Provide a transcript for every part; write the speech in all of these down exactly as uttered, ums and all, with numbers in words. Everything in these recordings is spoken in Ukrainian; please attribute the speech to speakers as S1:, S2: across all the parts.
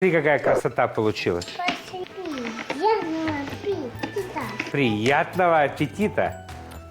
S1: Смотри, какая красота получилась. Приятного аппетита.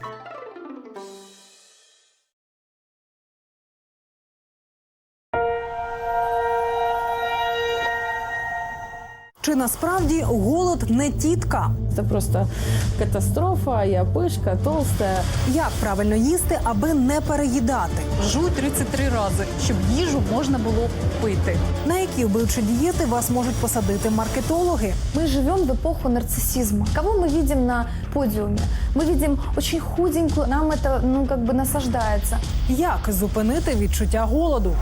S2: Чи насправді голод не тітка?
S3: Это просто катастрофа, я пышка, толстая.
S2: Як правильно їсти, аби не переїдати?
S4: Жуй тридцять три рази, щоб їжу можна було пити.
S2: На які вбивчі дієти вас можуть посадити маркетологи?
S5: Мы живем в эпоху нарциссизма. Кого мы видим на подиуме? Мы видим очень худенькую, нам это, ну, как бы насаждается.
S2: Як зупинити відчуття голоду?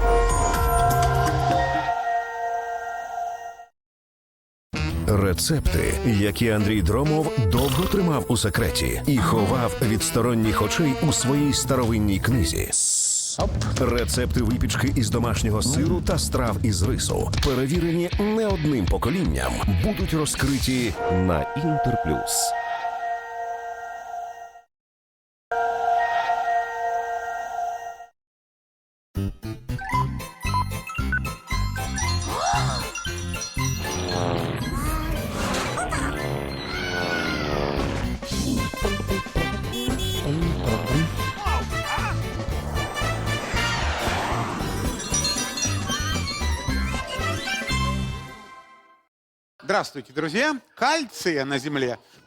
S6: Рецепти, які Андрій Дромов довго тримав у секреті і ховав від сторонніх очей у своїй старовинній книзі. Рецепти випічки із домашнього сиру та страв із рису, перевірені не одним поколінням, будуть розкриті на Інтерплюс.
S7: Здравствуйте, друзья! Кальция на Земле